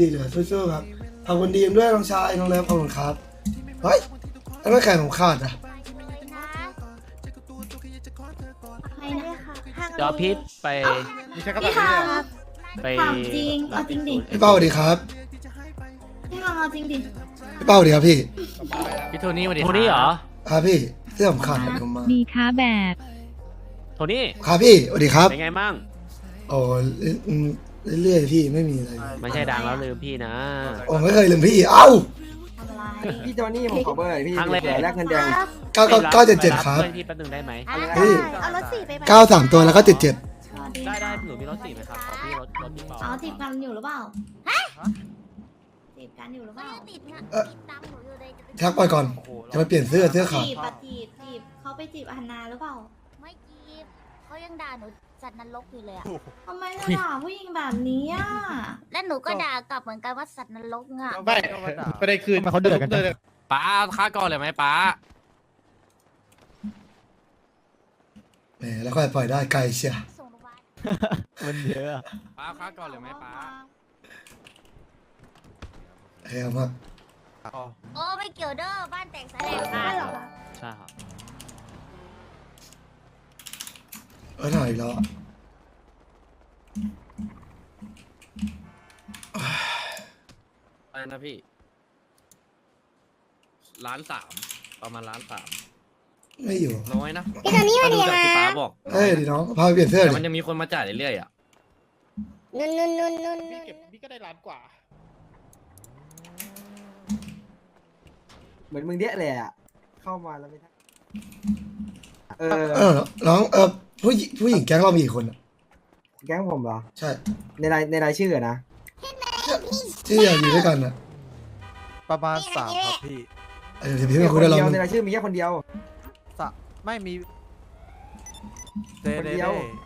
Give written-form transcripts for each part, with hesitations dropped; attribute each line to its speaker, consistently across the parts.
Speaker 1: ดีเลยสู้ๆครับขอบคุณดีมด้วยน้องชายน้องเล็บขอบคุณครับเฮ้ยแล้วไม่แข่งผมขาดอ่ะ
Speaker 2: ใครนะคะ
Speaker 3: จอพิษไป
Speaker 4: ไม่ใช่กระ
Speaker 2: พี่
Speaker 4: ดาษ
Speaker 2: ฮา
Speaker 4: นี้
Speaker 2: ครับ
Speaker 3: ไป
Speaker 2: ถามจริงเอาจริงดิ
Speaker 1: พี่เป้าสวัสดีครับ
Speaker 2: พี่ฮาเอาจริงดิ
Speaker 1: พี่เป้าสวัสดีครับพี่
Speaker 5: พี่โทนี่สวัสดี
Speaker 3: โทนี่เหรอ
Speaker 1: ครับพี่เสื้อผมขาดผมมา
Speaker 6: ดีค้าแบบ
Speaker 3: โทนี่
Speaker 1: ครับพี่สวัสดีครับ
Speaker 3: เป็นไงมั่ง
Speaker 1: โอ้อืมเรื่อยๆพี่ไม่มีอะไร
Speaker 3: ไม่ใช่ดังแล้วลืมพี่นะ
Speaker 1: โอ้ไม่เคยลืมพี่เอ้า
Speaker 2: ทำอะไร
Speaker 7: พี่โจนี่ผมขอเบอร์หน่อยพี่
Speaker 3: ครั้งแรก
Speaker 7: แลกเงินแดง
Speaker 2: ครับ
Speaker 1: 977ครับ
Speaker 3: เพื่อนพี่แป๊บนึงได้ไหม
Speaker 1: พี่
Speaker 2: เอารถสี่ไปไหม
Speaker 1: 93ตัวแล้วก็77
Speaker 2: สวัสดี
Speaker 3: ได้หนูมีรถสี่ไหมครับขอพี่รถพี่เปา
Speaker 2: เอาจีบกันอยู่หรือเปล่าจีบกันอยู่หรือเปล่า
Speaker 8: ติดนะ
Speaker 1: เอ่อ
Speaker 8: ติดตามหนูอยู่เลยจะไป
Speaker 1: ทักไปก่อนจะไปเปลี่ยนเสื้อขาด
Speaker 2: จีบอะจีบเขาไปจีบอันนาหรือเปล่า
Speaker 8: ไม่จีบเขายังด่าหนูสัตว์นรกอยู่เลยอะ
Speaker 2: ทำไมจะด่าผู้หญิงแบบนี้อ่ะ
Speaker 8: และหนูก็ด่ากลับเหมือนกันว่าสัตว์นรกอะ
Speaker 4: ไม่ประเด็นคือเขาเดือดกันจัง
Speaker 5: ป้าค่าก่อนเลยไหมป้า
Speaker 1: แหมแล้วค่อยปล่อยได้ไกลเชีย
Speaker 8: ส่งโรงพยาบาล
Speaker 4: มันเยอะ
Speaker 5: ป้าค่าก่อนเลยไหมป้า
Speaker 1: เฮ้ยเอามาก
Speaker 8: โอ้ไม่เกี่ยวเด้อบ้านแตกสลาย
Speaker 2: ได้หรอคะ
Speaker 3: ใช่ครับ
Speaker 1: หน่อยอีกแล้วอะ
Speaker 5: อะไรนะพี่1,300,000ประมาณ1,300,000
Speaker 1: ไม่อยู่
Speaker 5: น้อยนะ
Speaker 8: พี่ตอนนี้มา
Speaker 5: ถ้า
Speaker 8: ดี
Speaker 5: ดูจากที่ป้า
Speaker 8: นะ
Speaker 5: บอก
Speaker 1: เฮ้ยดีน้องพาไปเปลี่ยนเสื้อ
Speaker 5: แต่
Speaker 1: ดิ
Speaker 5: มันยังมีคนมาจ่ายเรื่อยๆอ่ะ
Speaker 8: นุ่น
Speaker 4: พี่เก็บพี่ก็ได้ล้านกว่า
Speaker 7: เหมือนมึงเดี้ยเลยอ่ะ เข้ามาแล้วไม่ได้เออ
Speaker 1: น้องผู้หญิงแก๊งเรามีกี่คนอะ
Speaker 7: แก๊งผมเหรอ
Speaker 1: ใช่
Speaker 7: ในรายชื่ออะนะ
Speaker 1: ที่อยากอยู่ด้วยกันอ่ะ
Speaker 9: ประมาณ3ครับพี่
Speaker 1: เดี๋ยวพี่
Speaker 7: มี
Speaker 1: มา
Speaker 7: ค
Speaker 1: คุย
Speaker 7: น
Speaker 1: ได้เรา
Speaker 7: เดียวในรายชื่อมีแค่คนเดียว
Speaker 9: ไม่มีเด
Speaker 7: คน
Speaker 9: เด
Speaker 7: เดียว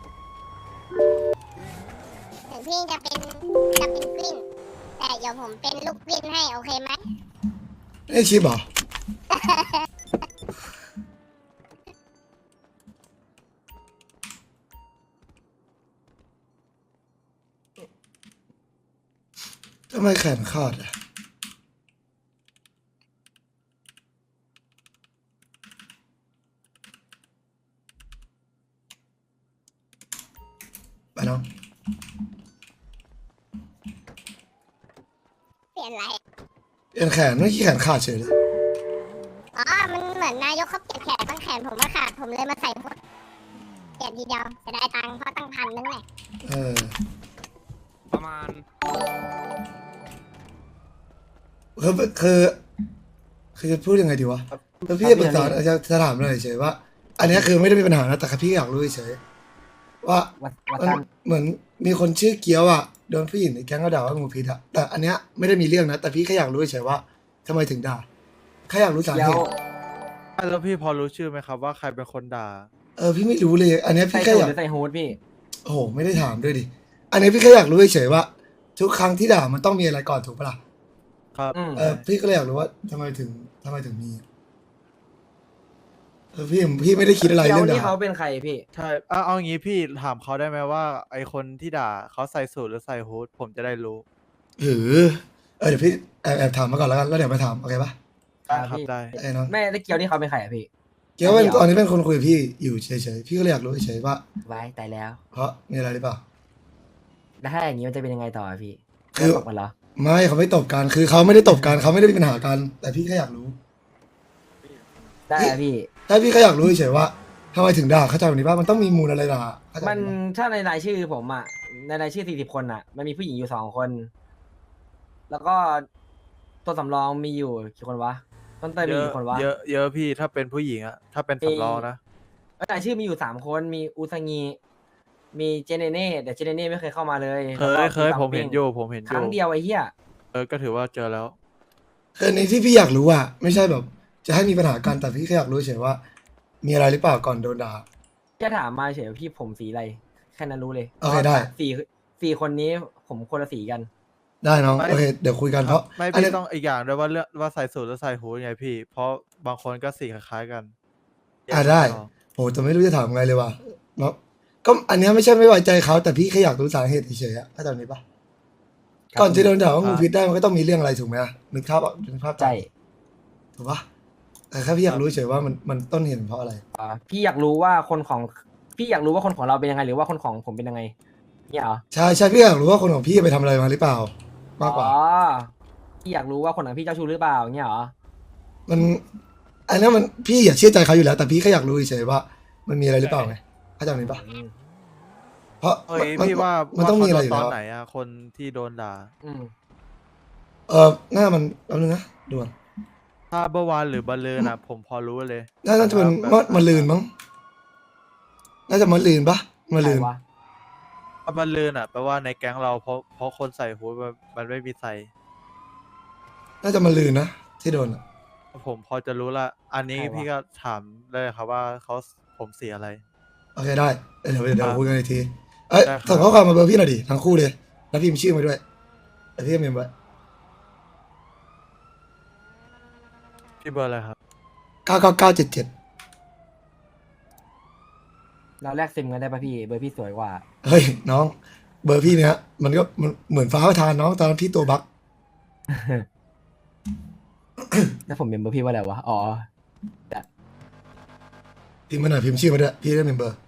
Speaker 8: ถึงพี่จะเป็นกลิ้งแต่เดี๋ยวผมเป็นลูกกลิ้งให้โอเคไหม
Speaker 1: เอ้ยชิปเหรอทำไมแขนขาดอ่ะไปน้อง
Speaker 8: เปลี่ยนอะไร
Speaker 1: เปลี่ยนแขนไม่ขี้แขนขาดเฉยเลย
Speaker 8: อ๋อมันเหมือนนายกเขาเปลี่ยนแขนตั้งแขนผมมาขาดผมเลยมาใส่หมดเปลี่ยนทีเดียวจะได้ตังค์เพราะตั้ง1,000นึงแหละ
Speaker 1: เออ
Speaker 5: ประมาณ
Speaker 1: คือจะพูดยังไงดีวะแล้วพี่จะปรึกษาจะถามอะไรเฉยว่า อันเนี้ยคือไม่ได้มีปัญหานะแต่พี่อยากรู้เฉยว่า
Speaker 7: วัด
Speaker 1: มัน
Speaker 7: ตัน
Speaker 1: เหมือนมีคนชื่อเกียวอ่ะโดนผู้หญิงในแก๊งเขาด่าว่างูพิษอ่ะแต่อันเนี้ยไม่ได้มีเรื่องนะแต่พี่แค่อยากรู้เฉยว่าทำไมถึงด่าแค่อยากรู้สาเห
Speaker 7: เดียว
Speaker 1: ตุ
Speaker 9: แล้วพี่พอรู้ชื่อไหมครับว่าใครเป็นคนด่า
Speaker 1: พี่ไม่รู้เลย อันเนี้ย
Speaker 7: ใส่
Speaker 1: พี่แค่
Speaker 7: สู
Speaker 1: อ
Speaker 7: ท
Speaker 1: ยาก
Speaker 7: หรือใส่ฮูดพี่
Speaker 1: โอ้โหไม่ได้ถามด้วยดิอันนี้พี่แค่อยากรู้เฉยว่า ทุกครั้งที่ด่ามันต้องมีอะไรก่อนถูกปะล่ะ
Speaker 9: ครับ
Speaker 1: พี่ก็เลยอยากรู้ว่าทำไมถึงมีพี่ไม่ได้คิดอะไร
Speaker 7: เดียว
Speaker 1: เรื่อง
Speaker 7: นี่
Speaker 1: ด่า
Speaker 7: เขาเป็นใครพี่
Speaker 9: ใช่เอางี้พี่ถามเขาได้ไหมว่าไอคนที่ด่าเขาใส่สูทหรือใส่ฮูดผมจะได้รู้
Speaker 1: เดี๋ยวพี่แอบถามมาก่อนแล้วกันแล้วเดี๋ยวไปถามโอเคปะ
Speaker 9: ครับได้
Speaker 1: ไอ้น้อง
Speaker 7: แม่ตะเกียวนี่เขาเป็นใครอะพี่
Speaker 1: เกียวเป็นตอนนี้เป็นคนคุยกับพี่อยู่เฉยๆพี่ก็เลยอยากรู้เฉยๆว่า
Speaker 7: ไว้ตายแล้ว
Speaker 1: เพราะมีอะไรหรือเปล่า
Speaker 7: แล้วถ้าอย่างนี้มันจะเป็นยังไงต่อพี่
Speaker 1: คือ
Speaker 7: ตกมันเหรอ
Speaker 1: ไม่เขาไม่ตบกันคือเขาไม่ได้ตบกันเขาไม่ได้มีปัญหากัน แต่พี่แค่อยากรู้
Speaker 7: ได้อะพี่
Speaker 1: ถ้าพี่แค่อยากรู้เฉยๆว่าทำไมถึงด่าเข้าใจแบบนี้ป่ะมันต้องมีมูลอะไรด่าเข้าใจ
Speaker 7: มัน
Speaker 1: ไห
Speaker 7: ถ้าในรายชื่อผมอ่ะ ในรายชื่อ40คนอ่ะ มันมีผู้หญิงอยู่2 คน แล้วก็ตัวสำรองมีอยู่กี่คนวะ ต้นเตย
Speaker 9: เย
Speaker 7: มี
Speaker 9: อะ
Speaker 7: กี่คนวะ
Speaker 9: เยอะพี่ถ้าเป็นผู้หญิงอะถ้าเป็นสำรองนะ
Speaker 7: รายชื่อมีอยู่3 คน มีอุซางีมีเจเนเน่แต่เจเนเน่ไม่เคยเข้ามาเลย
Speaker 9: เคยผมเห็นอยู่ผมเห็นอ
Speaker 7: ครั้
Speaker 9: ยู่
Speaker 7: งเดียวไอ้เหี้ย
Speaker 9: ก็ถือว่าเจอแล้ว
Speaker 1: คือในที่พี่อยากรู้อ่ะไม่ใช่แบบ จะให้มีปัญหากันแต่พี่แค่อยากรู้เฉยว่า มีอะไรหรือเปล่าก่อนโดนด่า
Speaker 7: แค่ถามมาเฉยว่าพี่ผมสีอะไร แค่นั้นรู้เลย
Speaker 1: โอเคได้
Speaker 7: สี่คนนี้ผมคนละสีกัน
Speaker 1: ได้น้อง
Speaker 9: ไม่
Speaker 1: โอเคเดี๋ยวคุยกันเพราะ
Speaker 9: ไม่
Speaker 1: อัน
Speaker 9: พี่
Speaker 1: นี้
Speaker 9: ต้องอีกอย่างด้วยว่าเรื่องว่าใส่สูทหรือใส่ฮูดไงพี่ เพราะบางคนก็สีคล้ายๆกัน
Speaker 1: ได้โหแต่ไม่รู้จะถามไงเลยว่ะเนาะก็อันเนี้ยไม่ใช่ไม่ไว้ใจเขาแต่พี่แค่อยากรู้สาเหตุเฉยๆอะเข้าใจไหมปะก่อนจะโดนด่าว่างูพิษได้มันก็ต้องมีเรื่องอะไรถูกไหมอะนึกภาพออกนึกภาพ
Speaker 7: ใช่
Speaker 1: ถูกปะแต่แค่พี่อยากรู้เฉยว่ามันต้นเหตุเพราะอะไร
Speaker 7: พี่อยากรู้ว่าคนของเราเป็นยังไงหรือว่าคนของผมเป็นยังไงเนี่ยเหรอ
Speaker 1: ใช่ใช่พี่อยากรู้ว่าคนของพี่ไปทำอะไรมาหรือเปล่า มากกว่า
Speaker 7: อ๋อพี่อยากรู้ว่าคนของพี่เจ้าชู้หรือเปล่าเนี่ยเหรอ
Speaker 1: มันอันนั้นมันพี่อย่าเชื่อใจเขาอยู่แล้ว แต่พี่แค่อยากรู้เฉยๆว่า มันมีอะไรหรือเปล่าไงเข้าใจไหมปะ
Speaker 7: อืม
Speaker 1: เพราะ
Speaker 9: เฮ้ยพี่ว่า
Speaker 1: มันต้องมีอะไรอยู่
Speaker 9: ตอ
Speaker 1: แล้
Speaker 9: น
Speaker 1: ว
Speaker 9: ไหนอะคนที่โดนด่า
Speaker 7: อืม
Speaker 1: หน้ามันแป๊บนึงนะด่วน
Speaker 9: ถ้าเมื่อวานหรือบัลเลอนะผมพอรู้เลย
Speaker 1: น่าจะเป็นมาลืนมั้งน่าจะมาลืนปะมาลืน
Speaker 7: ใครวะ
Speaker 9: ถ้าบัลเลอน่ะแปลว่าในแก๊งเราเพราะคนใส่ฮู้ดมันไม่มีใส่
Speaker 1: น่าจะมาลืนนะที่โดนอะ
Speaker 9: ผมพอจะรู้ละ อันนี้พี่ก็ถามได้ครับว่าผมเสียอะไร
Speaker 1: โอเคได้เดี๋ยว
Speaker 9: ครับ
Speaker 1: คุยกันอีกทีเอ้ย
Speaker 9: ได้ครับ
Speaker 1: ส่งข้อความมาเบอร์พี่หน่อยดิทั้งคู่เลยแล้วพิมพ์ชื่อมาด้วยแต่พี่เมมไว้
Speaker 9: พี่เบอร์อะไรครับ
Speaker 1: 99977
Speaker 7: เราแลกซิมกันได้ป่ะพี่เบอร์พี่สวยกว่า
Speaker 1: เฮ้ยน้องเบอร์พี่เนี้ยมันก็มันเหมือนฟ้าประทานน้องตอนนั้นพี่ตัวบั๊ก
Speaker 7: แล้วผมเป็นเบอร์พี่ว่าอะไรวะอ๋อ
Speaker 1: พิมพ์มาหน่อยพิมพ์ชื่อมาด้วยพี่ได้เมมเบอร์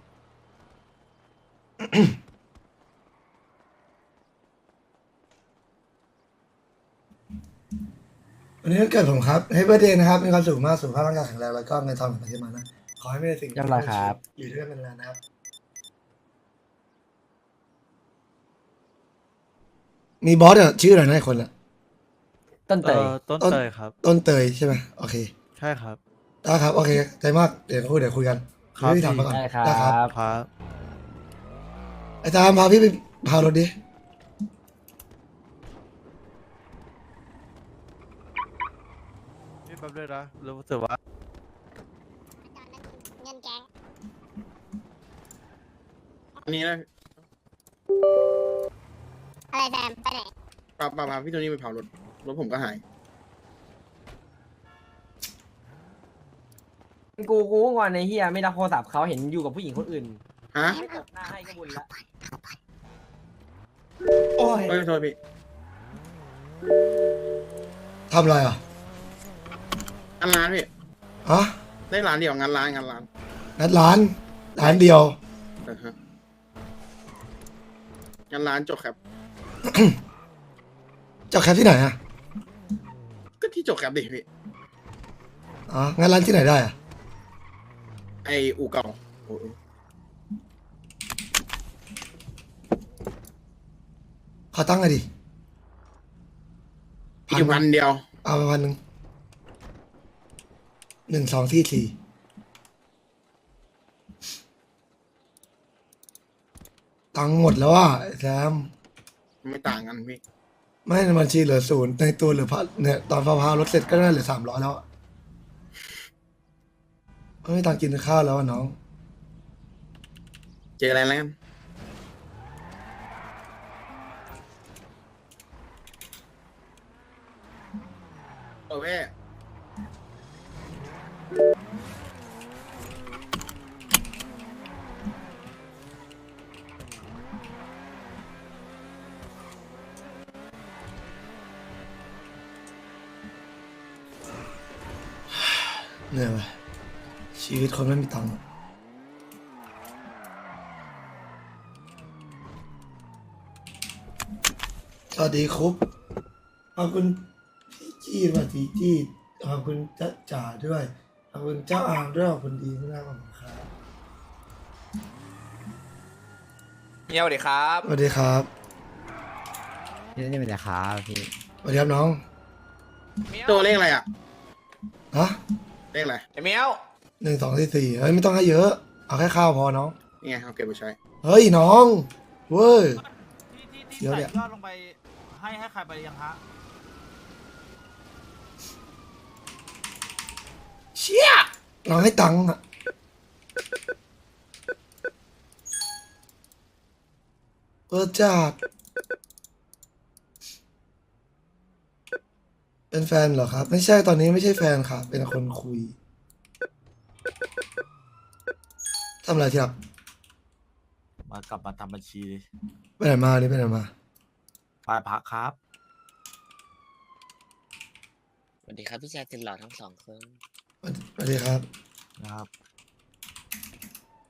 Speaker 1: วันนี้วันเกิดผมครับให้เบอร์เดย์นะครับมีความสุขมากสุขภาพร่างกายแข็งแรงแล้วก็เงินทองไหลมานะขอให้ไม่ได้สิ่ง
Speaker 7: เรียบร้อยครับ
Speaker 1: อยู่ด้วยกันนานๆนะครับมีบอสอ่ะชื่ออะไรนะไอ้คนอ่ะ
Speaker 7: ต้นเตย
Speaker 9: ต้นเตยครับ
Speaker 1: ต้นเตยใช่ไหมโอเค
Speaker 9: ใช่ครับ
Speaker 1: ได้ครับโอเคใจมากเดี๋ยวคุยกัน
Speaker 9: ครับ
Speaker 1: พี่ถามมาก่อน
Speaker 7: ได้ครั
Speaker 1: ได้ครับ
Speaker 7: บ
Speaker 9: ครับ
Speaker 1: ไอ้ตามพาพี่ไปพารถดิ
Speaker 9: พี่แป๊บด้วยนะรู้สึกว่า
Speaker 8: เงินแก๊ง
Speaker 4: อันนี้นะ
Speaker 8: อะไรแซมไปไหน
Speaker 4: ปาพี่โทนี่ไปเผารถผมก็หาย
Speaker 7: กูก็งอนในเฮียไม่รับโทรศัพท์เขาเห็นอยู่กับผู้หญิงคนอื่น
Speaker 4: ฮะ
Speaker 7: ไม่ตบหน้าให้ก็บุญละ
Speaker 4: โอ้ยโทษพี่
Speaker 1: ทำอะไรอ่ะ
Speaker 4: งานร้านพี่
Speaker 1: ฮะ
Speaker 4: ได้ร้านเดียวงานร้าน
Speaker 1: นัดร้านเดียว
Speaker 4: ฮะงานร้านจบครับ
Speaker 1: เจ้าแคปที่ไหนอ่ะ
Speaker 4: ก็ที่จบครับดิพี่
Speaker 1: อ๋องานร้านที่ไหนได้อ่ะ
Speaker 4: ไออู่เก่าโอ้ย
Speaker 1: ขอตั้งหน่อยดิ
Speaker 4: อีกวันเดียว
Speaker 1: เอาไป1,000 1 2 4 4ตังค์หมดแล้วอ่ะไอ้แซม
Speaker 4: ไม่ต่างกันพี่
Speaker 1: ไม่ในบัญชีเหลือ0ในตัวเหลือพันเนี่ยตอนพารถเสร็จก็น่าเหลือ300แล้วอะไม่มีตังค์กินข้าวแล้วอะน้อง
Speaker 4: เจออะไรแล้วกันโอเค
Speaker 1: เหนื่อยว่ะชีวิตคนไม่มีตังค์อะสวัสดีครับขอบคุณพี่จี้สวัสดีจี้ขอบคุณจ้าจ๋าด้วยขอบคุณเจ้าอามด้วยขอบคุณดีมากขอบคุณครับ
Speaker 6: เฮียสวัสดีครับ
Speaker 1: สวัสดีครับ
Speaker 6: นี่เป็นไงครับพี่
Speaker 1: สวัสดีครับน้อง
Speaker 4: ตัวเลขอะไรอ่ะ
Speaker 1: ฮะ
Speaker 4: เลขอะไร
Speaker 6: ไอ้เมียว
Speaker 1: 1 2 4 4เฮ้ยไม่ต้องให้เยอะ เอาแค่ข้าวพอน้อง
Speaker 4: นี่ไงเอาเก็บไปใช้
Speaker 1: เฮ้ยน้องเว้ย
Speaker 10: ที่
Speaker 1: เดี๋ยว
Speaker 10: ใส่
Speaker 1: เนี่ย
Speaker 10: ยอดลงไปให้ใครไปยังฮะ
Speaker 1: เชี่ยน้องให้ตังค์อะเออจัดเป็นแฟนเหรอครับ ไม่ใช่ตอนนี้ไม่ใช่แฟนครับ เป็นคนคุยทำอะไรที่รัก
Speaker 10: มากลับมาทำบัญชี
Speaker 1: ไปไหนมานี่ไปไหนมา
Speaker 10: ไปพักครับ
Speaker 6: สวัสดีครับพี่ชายสุดหล่อทั้งสองคน
Speaker 1: สวัสดีครับ
Speaker 10: นะครับ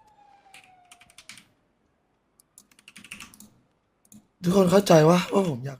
Speaker 1: ทุกคนเข้าใจว่าผมอยาก